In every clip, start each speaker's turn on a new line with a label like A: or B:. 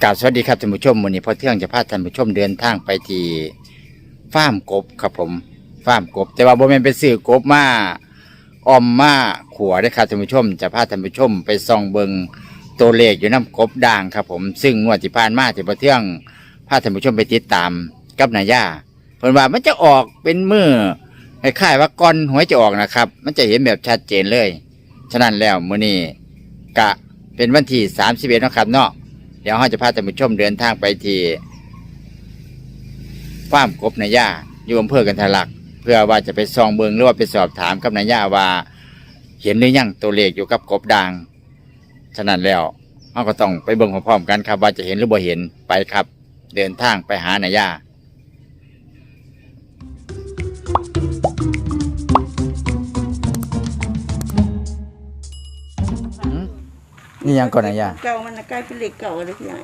A: กราบสวัสดีครับท่านผู้ชมวันนี้พอเที่ยงจะพาท่านผู้ชมเดินทางไปที่ฟาร์มกบครับผมฟาร์มกบแต่ว่าบ่แม่นไปซื้อกบมาออมมาขัวได้ครับท่านผู้ชมจะพาท่านผู้ชมไปส่องเบิงตัวเลขอยู่น้ำกบด่างครับผมซึ่งงวดที่ผ่านมาที่พอเที่ยงพาท่านผู้ชมไปติดตามกับนายย่าเพิ่นว่ามันจะออกเป็นมือคล้ายๆว่าก้อนหวยจะออกนะครับมันจะเห็นแบบชัดเจนเลยฉะนั้นแล้วมื้อนี้กะเป็นวันที่31เนาะครับเนาะเดี๋ยวเราจะพาท่านผู้ชมเดินทางไปที่ฟาร์มกบนายย่าอยู่อำเภอกันทะลักเพื่อว่าจะไปส่องเบิงหรือว่าไปสอบถามกับนายย่าว่าเห็นหรือยังตัวเลขอยู่กับกบด่างฉะนั้นแล้วเราก็ต้องไปเบิ่งพร้อมๆกันครับว่าจะเห็นหรือบ่เห็นไปครับเดินทางไปหานายย่านี่ยังก่อนนายย่า
B: เก่ามันกลายเป็นเหล็กเก่าเลยพี่ใหญ่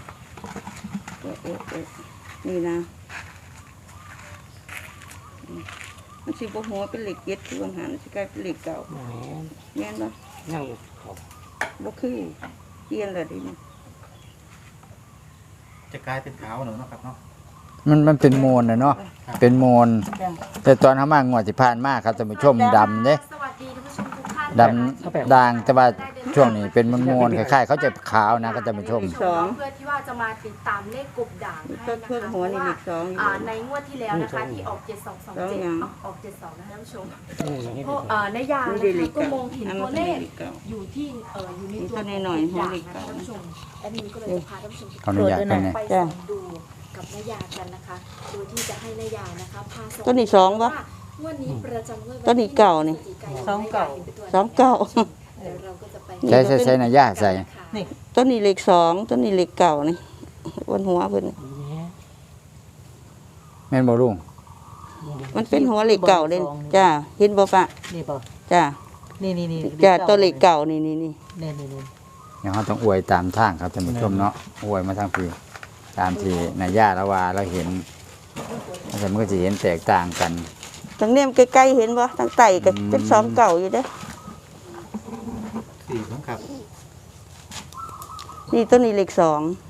B: นี่นะมันสิบหัวเป็นเหล็กเย็ดคือวางหันสิกลายเป็นเหล็กเก่าแม่นบ่
C: ยังเขา
B: บ่คือเปลี่ยนเลยดิมัน
C: จะกลายเป็นขาวหนูนะครับเนาะ
A: มันเป็นโมนนะเนาะเป็นโมนแต่ตอนเขามางวดที่ผ่านมาครับท่านผู้ชมดำเนี่ยดำด่างแต่ว่าช่วงนี้เป็นโมนคล้ายๆเขาจะขาวนะก็จะมาชม
D: เพื่อที่ว่าจะมาติดตามเลขกบด่างให้นะคะเพราะว่าในงวดที่แล้วนะคะที่ออก7227ออก72นะคะท่านผู้ชมเพราะในยาก็มองเห็นตัวเลขอยู่ที่อยู่ในตัว
B: หน่อยๆหัวเหล็กเก่า
D: ท่านผู้ชมแอดมินก็เลยจะพาท่านผู้ชมไปส่องดูกับนายากันนะคะโดยที่จะให้นายานะคะพา
B: ตัวนี้2บ่
D: งวดนี้ประจำงวด
B: ตัวนี้เก่านี่2เก่า
A: ใส่นายย่าใส่
B: นี่ต้นนี้เหล็ก2ต้นนี้เหล็กเก่านี่บนหัวเพิ่น
A: แม่นบ่ลุง
B: มันเป็นหัวเหล็กเก่าเลยจ้าเห็นบ่ปะ
C: นี่ป่ะ
B: จ้า
C: นี่
B: จ้าตัวเหล็กเก่านี่
A: เดี๋ยวเราต้องอวยตามทางครับท่านผู้ชมเนาะอวยมาทางพี่ตามที่นายย่าละว่าเราเห็นแต่มันก็จะเห็นแตกต่างกัน
B: ทางเนี่ยใกล้ๆเห็นบ่ทางไต่ก็เป็น2เก่าอยู่เด้อ
C: 4ครับ
B: นี่ต้นนี้เหล็ก2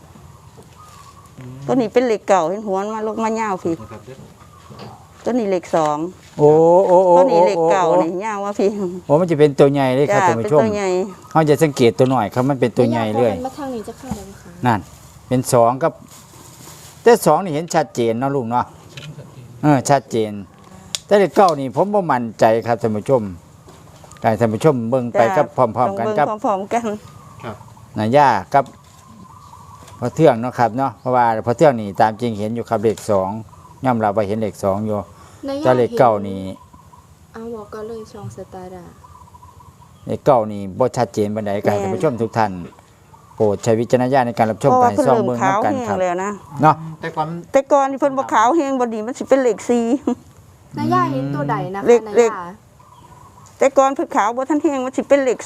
B: ต้นนี้เป็นเหล็กเก่าเห็นหัวมันลงมายาวพี่ต้นนี้เหล็ก2
A: โอ้
B: ต้นนี้เหล็กเก่านี่ยาวว่าพี่
A: โอ้มันจะเป็นตัวใหญ่เลยครับท่านผู้ชมเขาจะสังเกตตัวหน่อยครับมันเป็นตัวใหญ่เลย
D: มาทางนี้จะเข้าได้ไหมคะ
A: นั่นเป็น2กับแต่2นี่เห็นชัดเจนเนาะลุงเนาะชัดเจนแต่เหล็กเก่านี่ผมบ่มั่นใจครับท่านผู้ชมให้ท่านผู้ชมเบิ่งไปกับพร้อมๆกันครับ
B: พร้อมๆกัน
A: ครับนายย่ากับพอเทื่องเนาะครับเนาะเพราะว่าพอเทื่องนี่ตามจริงเห็นอยู่ครับเลข2ย่อมรับว่าเห็นเลข2อยู่แต่เลขเก้านี่
D: บอกก็เลยช่องสตาร์ดา
A: เลขเก้านี่บ่ชัดเจนปานใดครับท่านผู้ชมทุกท่านโปรดใช้วิจารณญาณในการรับชมไปส่องเบิ่งนำกันครับเนาะ
B: แต่ก่อนที่เพิ่นบ่ขาวแห้งบ่ดีมันสิเป็นเลข4
D: นายย่าเห็นตัวใดนะคะนายย่า
B: แต่ก่อนเพิ่นขาวบ่ทันแห้งมันสิเป็นเลข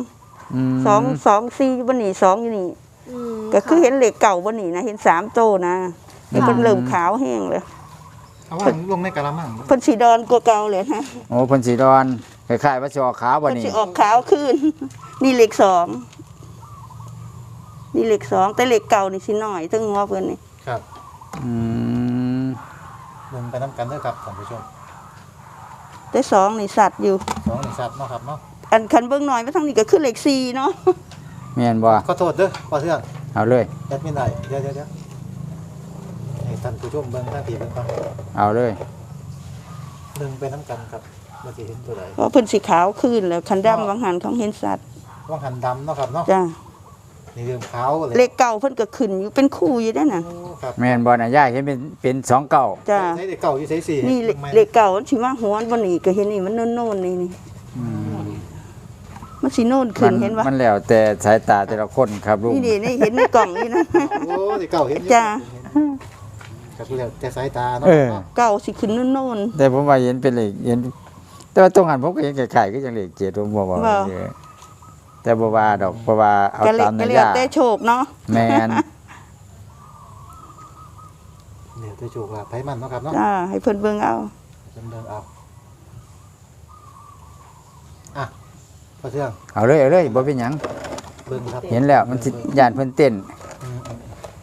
B: 2 4บ่นี่2อยู่นี่ก็คือเห็นเลขเก่าบ่นี่นะเห็น3โตนะเพิ่นเริ่มขาวแห้งเลย
C: เอาว่าลงในกะละมัง
B: เพิ่นสีดอนกว่าเก่าเลยนะ
A: โอ้เพิ่นสีดอนคล้ายๆว่าสิออกขาวบ่นี่
B: เพิ่นสิออกขาวขึ้นนี่เลข2นี่เลข2แต่เลขเก่านี่สิน้อยถึงหัวเพิ่นนี่
C: ครับลงไปนำกันเด้อครับท่านผู้ชม
B: แต่2นี่สัตว์อยู่
C: 2นี่สัตว์เนาะครับเนาะ
B: อันคันเบิ่งหน่อยมาทางนี้ก็คือเลข4เนาะ
A: แม่นบ่
C: ขอโทษเด้อพ่อเทื่อง
A: เอาเลย
C: แอดมินได้เดี๋ยวให้ท่านผู้ชมเบิ่งทางที่เบิ่งก่อน
A: เอาเลย
C: นึงไปนำกันครับบ่สิเห็นตัวใด
B: เพราะเพิ่นสีขาวขึ้นแล้วคันดำวังหันของเห็นสัตว์
C: วังหันดำเนาะครับเนาะ
B: จ้า
C: นี่เริ่มขาวเลย
B: เลขเก่าเพิ่นก็ขึ้นอยู่เป็นคู่อยู่ได้น่ะ
A: แม่นบ่น่ะย่าเห็นเป็น2เก่า
B: จ้า
C: ใช้เลขเก่าอยู่ใช้4
B: นี่เลขเก่ามันสิมาหัวบ่นี่ก็เห็นนี่มันโน่นๆนี่มันสิโน่นขึ้นเห็นบ่
A: มันแล้วแต่สายตาแต่ละคนครับลุง
B: นี่นี่เห็นในกล่องนี่นะ
C: โอ้เลขเก่าเห็น
B: จ้า
C: ก็คือแล้วแต่สายตาเนาะ
B: เก่าสิขึ้นโน่น
A: แต่ผมว่าเห็นเป็นเลขเห็นแต่ว่าตรงหันผมก็เห็นไข่ๆก็จังเลข7ผมบ่ว่าแต่บ่ว่าดอกเพราะว่าเอาตามนายย่า
B: แต่โชคเนาะ
A: แม่น
C: เดี๋ยวจะโชคลาภไผมันเนาะครับเนาะ
B: จ้าให้เพิ่นเบิ่งเอา
C: เบิ่งเอาอ่ะพอเทื่อง
A: เอาเลยบ่เป็นหยัง
C: เบิ่งครับ
A: เห็นแล้วมันสิย่านเพิ่นเต้น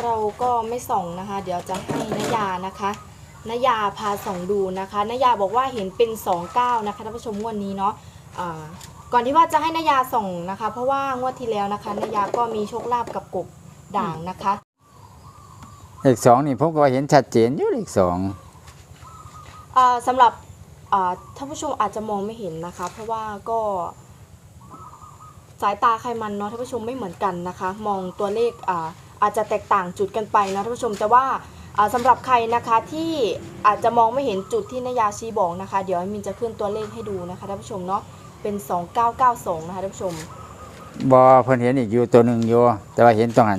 D: เราก็ไม่ส่องนะคะ เดี๋ยวจะให้นายานะคะนายาพาส่องดูนะคะนายาบอกว่าเห็นเป็น29นะคะท่านผู้ชมงวดนี้เนาะก่อนที่ว่าจะให้นายาส่องนะคะ เพราะว่างวดที่แล้วนะคะนายาก็มีโชคลาภกับกบด่างนะคะ
A: เลขสองนี่ผมก็เห็นชัดเจนอยู่เลขสอง
D: สำหรับท่านผู้ชมอาจจะมองไม่เห็นนะคะ เพราะว่าก็สายตาใครมันเนาะท่านผู้ชมไม่เหมือนกันนะคะ มองตัวเลขอาจจะแตกต่างจุดกันไปนะท่านผู้ชมแต่ว่าสำหรับใครนะคะที่อาจจะมองไม่เห็นจุดที่นายาชี้บอกนะคะ เดี๋ยวมินจะขึ้นตัวเลขให้ดูนะคะท่านผู้ชมเนาะเป็น2992นะคะท่านผู้ชม
A: บ่เพิ่นเห็นอีกอยู่ตัวหนึงอยู่แต่ว่าเห็นตรงหัน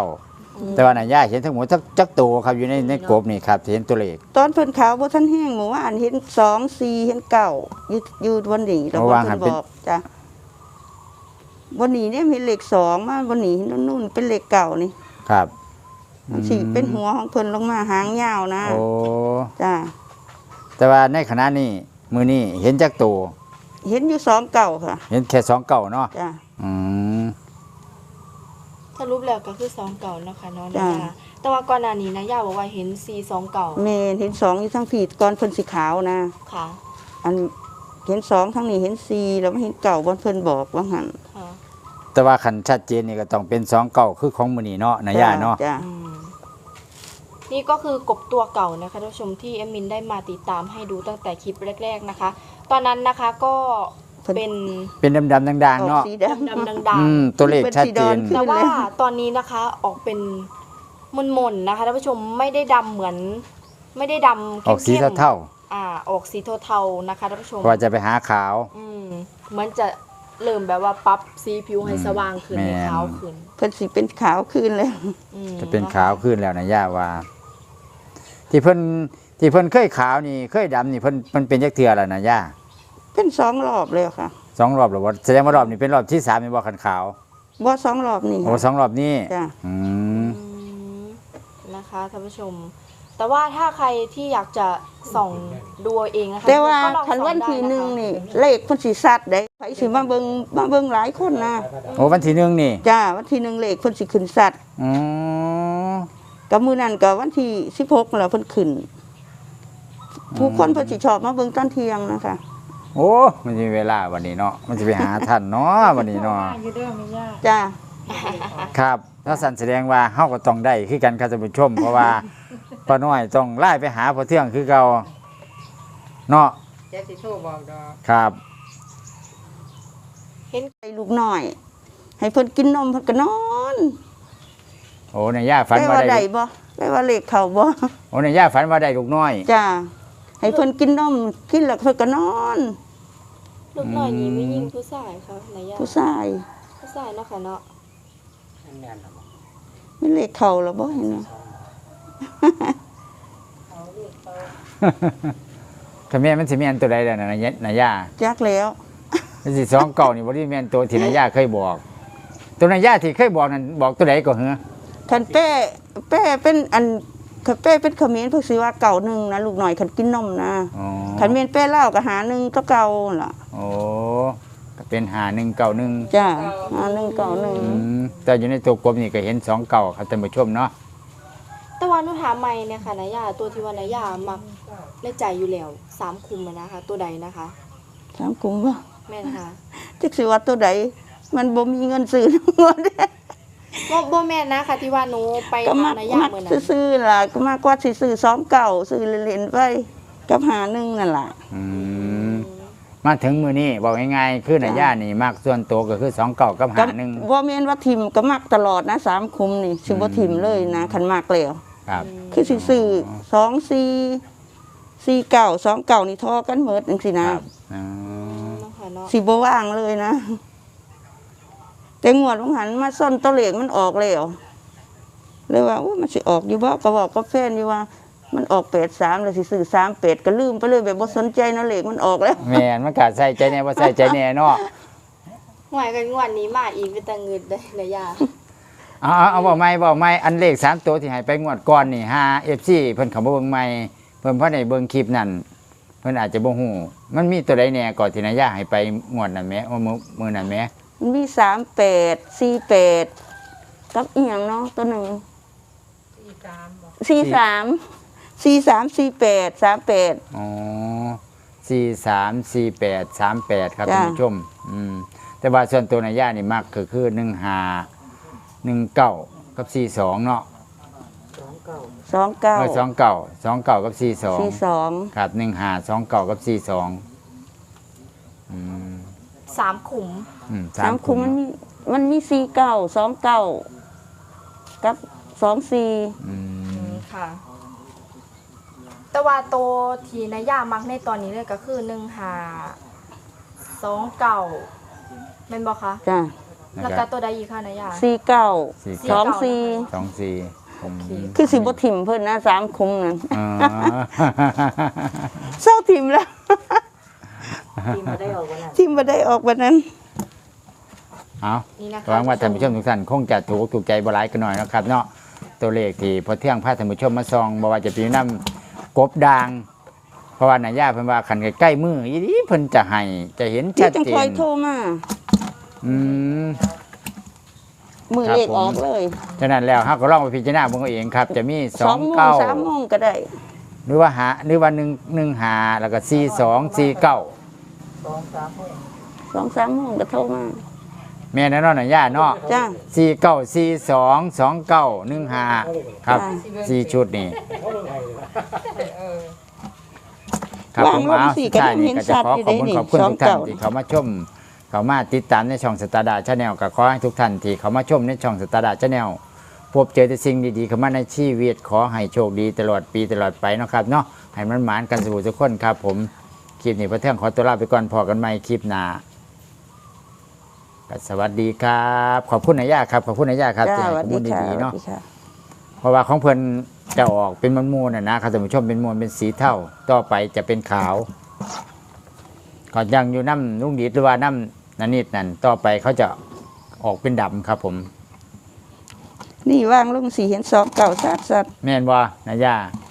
A: 29แต่ว่านายย่าเห็นทั้งหมดจักตัวครับอยู่ในกบนี่ครับเห็นตัวเลข
B: ตอนเพิ่นขาวบ่ทันแห้งหมู่ว่าอันเห็น2 4เห็น9อยู่วันนี้แล้วบ่เพิ่นบอกจ้ะวันนี้เนี่ยมีเลข2มาวันนี้นู่นเป็นเลขเก่านี่
A: ครับ
B: มันสิเป็นหัวของเพิ่นลงมาหางยาวนะ
A: โอ้
B: จ้ะ
A: แต่ว่าในขณะนี้มื้อนี้เห็นจักตัว
B: เห็นอยู่2เก่าค่ะ
A: เห็นแค่2เก่าเนาะ
B: จ้ะ
A: อืม
D: สรุปแล้วก็คือ29นะคะเนาะนายาแต่ว่าก่อนหน้านี้นายาบอกว่าเห็น429
B: แม่เห็น2อยู่ทั้งผีก่อนเพิ่นสิขาวนะ
D: ค่ะ
B: อันเห็น2ทั้งนี้เห็น4แล้วไม่เห็นเก่าบ่เพิ่นบอกว่าหั่น
D: ค่ะ
A: แต่ว่าคันชัดเจนนี่ก็ต้องเป็น2เก่าคือของมื้อนี้เนาะนายย่าเนาะ
B: จ้ะ
D: นี่ก็คือกบตัวเก่านะคะท่านผู้ชมที่เอมมินได้มาติดตามให้ดูตั้งแต่คลิปแรกๆนะคะ ตอนนั้นนะคะก็เป็น
A: เป็นดำๆด่างๆเนาะ
B: ออกสีดำ
D: ดำๆดัง
A: ตัวเลขชัดเจน
D: ๆแต่ว่าตอนนี้นะคะออกเป็นมนๆนะคะท่านผู้ชมไม่ได้ดำเหมือนไม่ได้ดำ
A: ออกสี
D: เข้มๆ
A: เท่า
D: ออกสีเทาๆนะคะท่านผู้ชม
A: ๆว่าจะไปหาขาว
D: เหมือนจะเริ่มแบบว่าปรับสีผิวให้สว่างขึ้น
A: แม่น
D: ให้ขาวขึ้น
B: เพิ่นสิเป็นขาวขึ้นเลย
A: จะเป็นขาวขึ้นแล้วนะย่าว่า ที่เพิ่นเคยขาวนี่เคยดำนี่เพิ่นมันเป็นจักเทื่อแล้วนะย่า
B: เป็น2รอบเลยค่ะ
A: 2 รอบแล้วบ่แสดงว่ารอบนี้เป็นรอบที่3นี่บ่คันขาว
B: บ่2รอบนี่
A: โอ้2 รอบนี้
B: จ้ะ
A: อืม
D: นะคะท่านผู้ชม แต่ว่าถ้าใครที่อยากจะส่องดูเอาเองนะคะ
B: แต่ว่า
D: ก็ลอง
B: คัน
D: ส่อง
B: วันที่
D: ได้ะคะ
B: หนึ่งนี่เลขเพิ่นสิซัดได้ไผสิมาเบิ่งหลายคนนะ
A: โอ้วันที่1นี่
B: จ้าวันที่หนึ่งเลขเพิ่นสิขึ้นซัด
A: อ๋อ
B: กับมื้อนั้นก็วันที่16แล้วเพิ่นขึ้น ผู้คนเพิ่นสิชอบมาเบิ่งตอนเที่ยงนะคะ
A: โอ้มันสิมีเวลาวันนี้เนาะมันสิไปหาท่านเนาะวันนี้เนาะ
B: จ้า
A: ครับถ้าสั่นแสดงว่าเฮาก็ต้องได้คือกันครับท่านผู้ชม เพราะว่าป้าน้อยต้องไล่ไปหาพ่อเทื่องคือเก่าเนาะ
E: เจ๊สิโทรบอกดอก
A: ครับ
B: ให้ลูกน้อย ให้เพิ่นกินนมเพิ่นก็นอน
A: โอ้ในย่าฝัน
B: ได้
A: ว่า
B: ว่า
A: ได้
B: ได้บ่ได้ว่าเลขเข้าบ่
A: โอ้ในย่าฝันว่าได้ลูกน้อย
B: จ้าให้เพิ่นกินนมกินแล้วเพิ่นก็นอน
D: ลูกน้อยนี้ไม่ยิ่งผู้ชายค่ะนายยา
B: ผู้ชาย
D: ผู้ชายเนาะค่ะเนาะ
E: อันแม่นล่ะบ่
B: ไม่เลขเข้าแล้วบ่เห็นบ่
A: ถ้าแม่นมันสิแม่นตัวใดล่ะนะนายย่า
B: จักแล้ว
A: มันสิ2เก่านี่บ่ได้แม่นตัวที่นายย่าเคยบอก ตัวนายย่าที่เคยบอกนั่นบอกตัวใดก็เหรอ
B: คันแป้เป็นอันคันแป้เป็นเขมิ้นเพิ่นสิว่าเก่าหนึงนะลูกน้อยคันกินนมนะ
A: อ๋อ
B: คันแม่นแป้เล่าวก็หาหนึงก็เก่าล่ะ
A: โอ้ก็เป็น5191
B: จ้าหาหนึงเก่าหนึง
A: แต่อยู่ในตัวกลมนี่ก็เห็น2เก่าครับท่านผู้ชมเนาะ
D: แต่ว่าหนูถามใหม่เนี่ยค่ะนายยาตัวที่ว่านายยามักในใจอยู่แล้ว3คุมอะนะคะ ตัวใดนะคะ
B: ถามกุมว่า
D: แม่นค่ะ
B: จักสิว่าตัวใดมันบ่มีเงินซื้อหมด
D: บ่แม่นนะคะที่ว่าหนูไป
B: ก็
D: หา
B: มัก
D: นายยา
B: มัก
D: เมื่อนั้น
B: ซื้อๆล่ะก็มากกว่าสิซื้อ2เก่าซื้อเล่นๆไปกับหาหนึงนั่นล่ะ
A: มาถึงมือนี้บอกง่ายๆคือนายย่านี่มากส่วนตัวก็คือ2เก่ากับ
B: ก็
A: 51
B: บ่แม่นว่าทิมก็มักตลอดนะ3คุมนี่สิบ่ทิมเลยนะคันมักแล้ว
A: ครับ
B: คือสิซื้อ2 4 4เก่า2เก่านี่ทอกันหมดจังซี่นะครับ
A: อ๋อ
D: เนาะค่ะเนาะ
B: สิบ่ว่างเลยนะ แต่งวดของหันมาซ่อนตัวเลขมันออกแล้วเลยว่าอุ๊ยมันสิออกอยู่บ่ก็บอกกับแฟนอยู่ว่า มันออก83แล้วสิซื้อ38ก็ลืมไปเลยแบบบ่สนใจเนาะเลขมันออกแล้ว
A: แม่นมันก็ใส่ใจแน่บ่ใส่ใจแน่เนาะ
D: หวยกันงวดนี้มาอีกเป็นตะเงิดได้นายยา
A: เอาบอกไม่อันเลข3ตัวที่ให้ไปงวดก่อนนี่5 FC เพิ่นเข้ามาเบิ่งใหม่เพิ่นพอได้เบิ่งคลิปนั่นเพิ่นอาจจะบ่ฮู้มันมีตัวใดแน่ก่อนที่นายย่าให้ไปงวดนั้นแหมมื้อนั้นแหม
B: มันมี38 48กับอีหยังเนาะตัวหนึง
E: 43บอก
B: 43 48 38
A: อ๋อ434838ครับ
B: จ้ะ
A: ท่านผู้ชมแต่ว่าส่วนตัวในย่านี่มักคือ1519กับ42เนาะ
B: 29
A: 29กับ42
B: 42
A: ครับ1529กับ42
D: 3 ขุม
B: 3คุมมันมี49 29กับ24
D: ค่ะ แต่ว่าโตวที่นายามักในตอนนี้เลยก็คือ1529แม่นบ่คะ
B: จ้ะ
D: แล้วก็ตัวใดอีกค่ะนายา
B: 49 24
A: 24
B: คือสิบ่ถิ่มเพิ่นนะ3คุมนั่น
A: อ๋อ
B: เศร้าถิ่มแล้ว
E: ที่มาได้ออกวันนั้น
B: ถิ่มบ่ได้ออกวันนั้น
A: เอา
D: นี่นะคะ
A: หวังว่าท่านผู้ชมทุกท่านคงจะถูกใจบ่หลายกันหน่อยนะครับเนาะตัวเลขที่พอเที่ยงพาท่านผู้ชมมาซองบ่ว่าจะเป็นน้ำกบด่าง เพราะว่านายาเพิ่นว่าคันใกล้ๆมืออีนี้เพิ่นจะให้จะเห็น
B: เดี๋ย
A: ชั
B: ว
A: ด
B: จัง
A: เจ
B: คอย
A: น
B: โทรมา
A: อืม
B: มือ
A: ครับ
B: เลข
A: ผม
B: ออกเลย
A: ฉะนั้นแล้วเฮาก็ลองไปพิจารณาเบิ่งเอาเองครับ จะมี
B: 2 โมง 3 โมงก็ได้
A: หรือว่า115แล้วก็4249
E: 2-3โมง
B: 2-3 โมงก็โทรมา
A: แม่นแน่นอนนายาเนาะ
B: จ้า
A: 49422915ครับ
B: จ้ะ
A: 4ชุดนี่
E: เออ
A: ครับ
B: วาง
A: ผม
B: ลง
A: เอา
B: สิ
A: สุดท้ายนี่
B: ก็
A: ก็
B: ยั
A: จะ
B: ง
A: ขอ
B: เห็น
A: ขอบคุณ
B: ชัดอยู่
A: ขอบคุณ
B: เด้
A: ทุกท่าน
B: 29
A: ที่เขามาชม เขามาติดตามในช่องสตาร์ดาชาแนลก็ขอให้ทุกท่านที่เขามาชมในช่องสตาร์ดาชาแนลพบเจอแต่สิ่งดีๆเข้ามาในชีวิตขอให้โชคดีตลอดปีตลอดไปเนาะครับเนาะให้มันหมานกันสู่ทุกคนครับ ผมคลิปนี้พระเที่ยงขอตัวลาไปก่อนพอกันใหม่คลิปหน้าก็สวัสดีครับ ขอบคุณนายาครับขอบคุณนายาครับ
B: จ้า
A: ที่
B: ส
A: ให้
B: วัส
A: ข้อ
B: ดี
A: มูล
B: ค่ะ
A: ดีๆเนาะ
B: สวัสดีค่ะ
A: เพราะว่าของเพิ่นจะออกเป็นมูลๆนะครับท่านผู้ชมเป็นมูลเป็นสีเทาต่อไปจะเป็นขาวก่อนยังอยู่น้ำลุงดีดหรือว่าน้ำนันนิดนั่นต่อไปเขาจะออกเป็นดำครับผม
B: นี่วางลงสีเห็น2 9 3
A: แม่นว่านายา
B: 3